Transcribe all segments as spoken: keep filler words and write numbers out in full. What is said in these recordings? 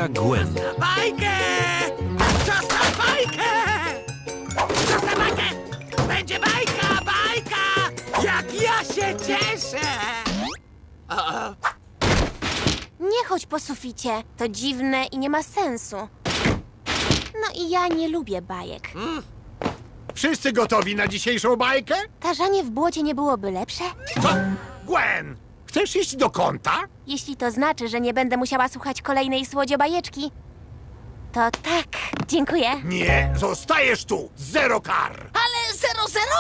babcia Gwen. Bajkę! Czas na bajkę! Czas na bajkę! Będzie bajka, bajka! Jak ja się cieszę! O, o. Nie chodź po suficie. To dziwne i nie ma sensu. No i ja nie lubię bajek. Wszyscy gotowi na dzisiejszą bajkę? Tarzanie w błocie nie byłoby lepsze? Co? Gwen, chcesz iść do kąta? Jeśli to znaczy, że nie będę musiała słuchać kolejnej słodziobajeczki, to tak, dziękuję. Nie, zostajesz tu. Zero kar. Ale zero zero?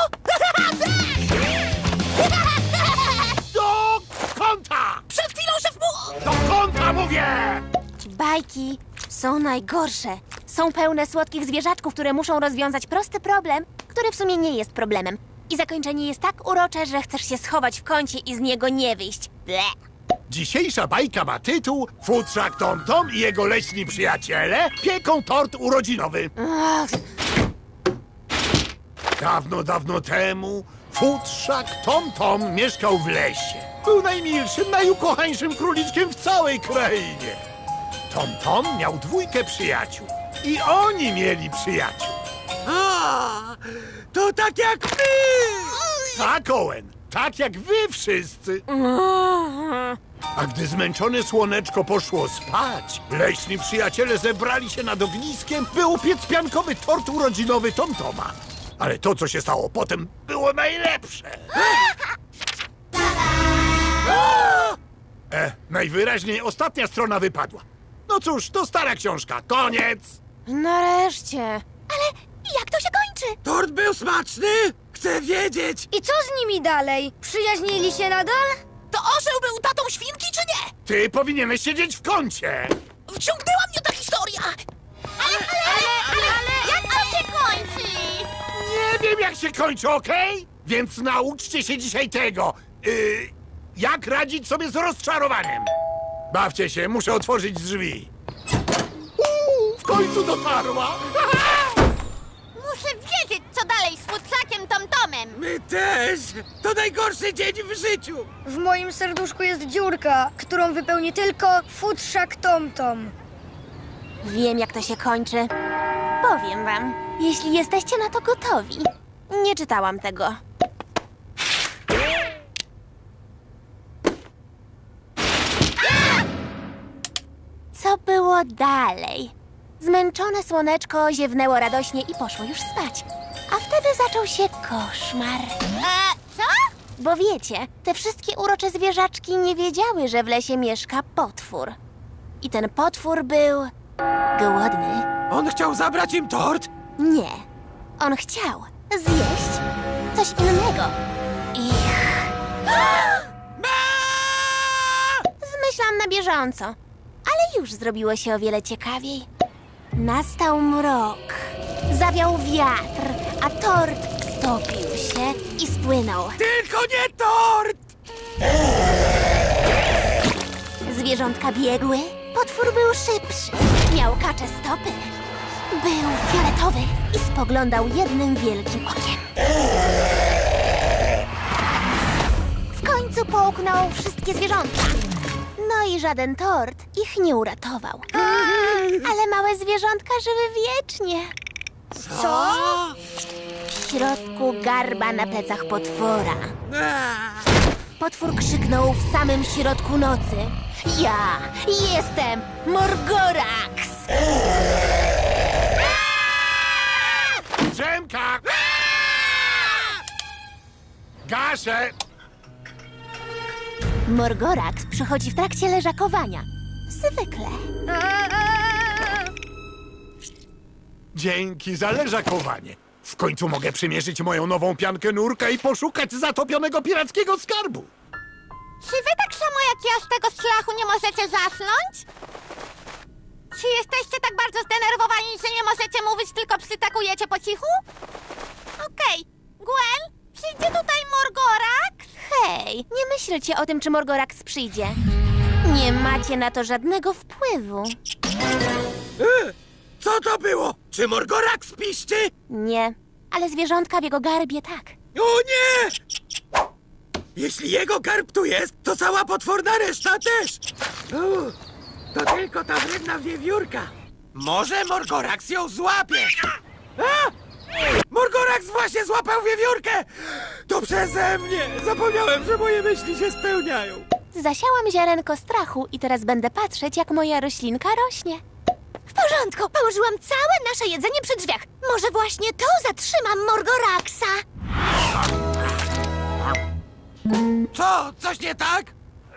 Do kąta! Przed chwilą szef mu... Do kąta mówię! Bajki są najgorsze. Są pełne słodkich zwierzaczków, które muszą rozwiązać prosty problem, który w sumie nie jest problemem. I zakończenie jest tak urocze, że chcesz się schować w kącie i z niego nie wyjść. Ble. Dzisiejsza bajka ma tytuł Futrzak Tom Tom i jego leśni przyjaciele pieką tort urodzinowy. Ach, Dawno, dawno temu Futrzak Tom Tom mieszkał w lesie. Był najmilszym, najukochańszym króliczkiem w całej krainie. Tom Tom miał dwójkę przyjaciół i oni mieli przyjaciół. A, to tak jak my! Tak, Owen, tak jak wy wszyscy. A gdy zmęczone słoneczko poszło spać, leśni przyjaciele zebrali się nad ogniskiem, by upiec piankowy tort urodzinowy Tom Toma. Ale to, co się stało potem, było najlepsze. E, najwyraźniej ostatnia strona wypadła. No cóż, to stara książka. Koniec! nareszcie. Ale jak to się kończy? Tort był smaczny? Chcę wiedzieć! I co z nimi dalej? Przyjaźnili się nadal? To orzeł był tatą świnki, czy nie? Ty powinieneś siedzieć w kącie. Wciągnęła mnie ta historia! Ale, ale, ale, ale, jak to się kończy? Nie wiem, jak się kończy, okej? Więc nauczcie się dzisiaj tego. Yy, jak radzić sobie z rozczarowaniem. Bawcie się, muszę otworzyć drzwi. Uuu, w końcu dotarła. Muszę wiedzieć, co dalej z futrzakiem Tomtomem. My też! To najgorszy dzień w życiu! W moim serduszku jest dziurka, którą wypełni tylko futrzak Tomtom. Wiem, jak to się kończy. Powiem wam, jeśli jesteście na to gotowi. Nie czytałam tego. Co było dalej? Zmęczone słoneczko ziewnęło radośnie i poszło już spać. A wtedy zaczął się koszmar. A co? Bo wiecie, te wszystkie urocze zwierzaczki nie wiedziały, że w lesie mieszka potwór. I ten potwór był głodny. On chciał zabrać im tort? Nie. On chciał zjeść coś innego. Ich. Zmyślam na bieżąco. Ale już zrobiło się o wiele ciekawiej. Nastał mrok. Zawiał wiatr, a tort stopił się i spłynął. Tylko nie tort! Zwierzątka biegły. Potwór był szybszy. Miał kacze stopy. Był fioletowy i spoglądał jednym wielkim okiem. W końcu połknął wszystkie zwierzątka. No i żaden tort ich nie uratował. Ale małe zwierzątka żyły wiecznie. Co? W środku garba na plecach potwora. A, Potwór krzyknął w samym środku nocy. Ja jestem Morgorax! Drzemka! Gaszę! Morgorax przychodzi w trakcie leżakowania. Zwykle. Dzięki za leżakowanie. W końcu mogę przymierzyć moją nową piankę nurka i poszukać zatopionego pirackiego skarbu. Czy wy tak samo jak ja z tego strachu nie możecie zasnąć? Czy jesteście tak bardzo zdenerwowani, że nie możecie mówić, tylko przytakujecie po cichu? Okej. Gwen, przyjdzie tutaj Morgorax? Hej, nie myślcie o tym, czy Morgorax przyjdzie. Nie macie na to żadnego wpływu. e, co to było? Czy Morgorax piszczy? Nie, ale zwierzątka w jego garbie tak. O nie! Jeśli jego garb tu jest, to cała potworna reszta też! O, To tylko ta wredna wiewiórka. Może Morgorax ją złapie. A! Morgorax właśnie złapał wiewiórkę! To przeze mnie! Zapomniałem, że moje myśli się spełniają. Zasiałam ziarenko strachu i teraz będę patrzeć, jak moja roślinka rośnie. W porządku, położyłam całe nasze jedzenie przy drzwiach. Może właśnie to zatrzyma Morgoraxa. Co? Coś nie tak?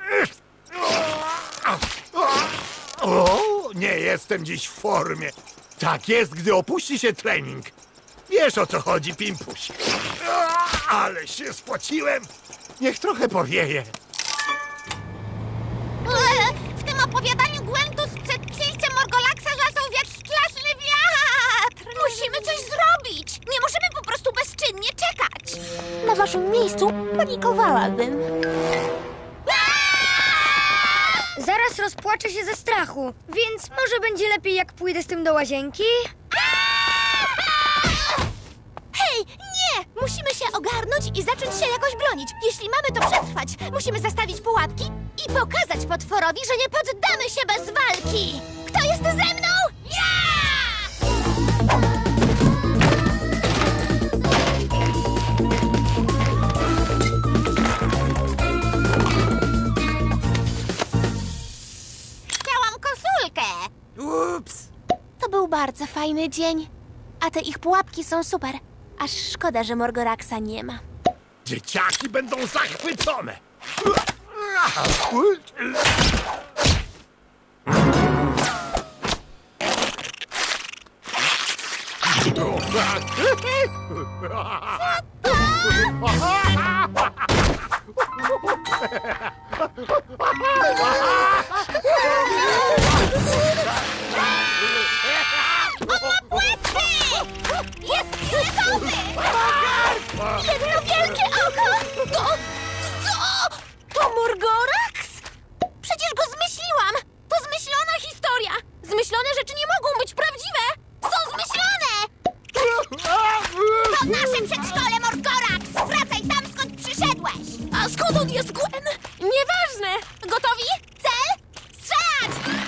O, nie jestem dziś w formie. Tak jest, gdy opuści się trening. Wiesz, o co chodzi, Pimpuś. Ale się spociłem. Niech trochę powieje. W tym opowiadaniu Gwentus przed przyjściem Morgolaxa zaczął wiać straszny wiatr. Musimy coś zrobić. Nie możemy po prostu bezczynnie czekać. Na waszym miejscu panikowałabym. Zaraz rozpłaczę się ze strachu, więc może będzie lepiej, jak pójdę z tym do łazienki? Hej, nie! Musimy się ogarnąć i zacząć się jakoś bronić. Jeśli mamy to przetrwać, musimy zastawić pułapki i pokazać potworowi, że nie poddamy się bez walki. Kto jest ze mną? Ja! Chciałam koszulkę. Ups. To był bardzo fajny dzień. A te ich pułapki są super. Aż szkoda, że Morgoraxa nie ma. Dzieciaki będą zachwycone. Jest fioletowy! Jedno wielkie oko! To... co? To Morgorax? Przecież go zmyśliłam! To zmyślona historia! Zmyślone rzeczy nie mogą być prawdziwe! Są zmyślone! To nasze przedszkole, Morgorax! Wracaj tam, skąd przyszedłeś! A skąd on jest, Gwen? Nieważne! Gotowi? Cel? Strzelać!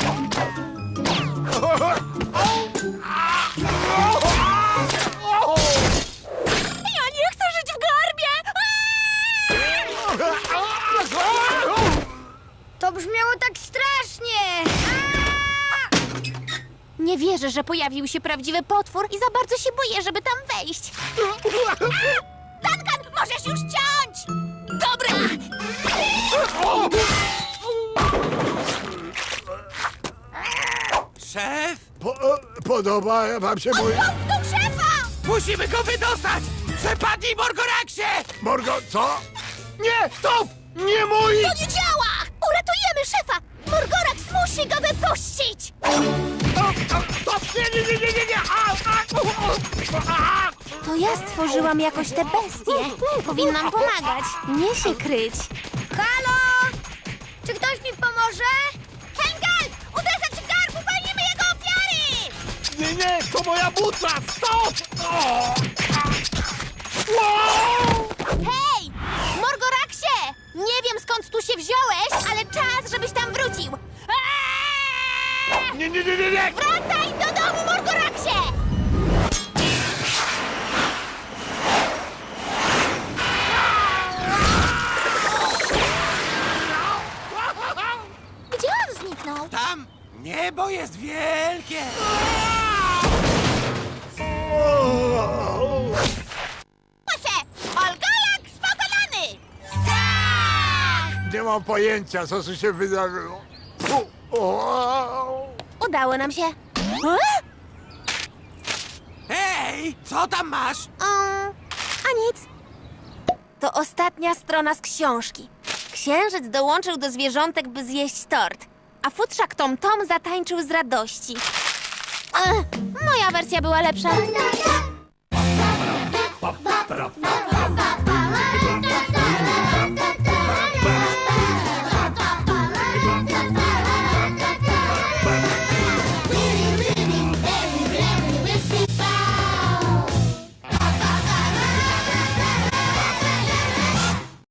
Ja nie chcę żyć w garbie! To brzmiało tak strasznie! Nie wierzę, że pojawił się prawdziwy potwór i za bardzo się boję, żeby tam wejść. Duncan, możesz już ciąć! Dobra! Szef? Po, podoba wam się mój... Do szefa! Musimy go wydostać! Przepadnij, Morgoraxie! Morgo, co? Nie, stop! Nie mój! To nie działa! Uratujemy szefa! Morgorax musi go wypuścić! Stop! Nie, nie, nie, nie, nie, nie! A, a, a, To ja stworzyłam jakoś te bestie. Powinnam pomagać, nie się kryć. Halo? Czy ktoś mi pomoże? Helgal! Uderzać w garb! Uwolnimy jego ofiary! nie, nie, to moja butla! Stop! O! Wow! Hej! Morgoraxie! Nie wiem, skąd tu się wziąłeś, ale czas, żebyś tam wrócił. Aaaa! Nie, nie, nie, nie, nie! Wracaj do domu, Morgoraxie! Gdzie on zniknął? Tam niebo jest wielkie! Proszę! Olgalak pokonany! Tak! Nie mam pojęcia, co tu się wydarzyło. Fu, o, Udało nam się. E? Hej, co tam masz? Um, a nic. To ostatnia strona z książki. Księżyc dołączył do zwierzątek, by zjeść tort, a futrzak Tom Tom zatańczył z radości. Ech, moja wersja była lepsza. Pa, pa, pa, pa, pa.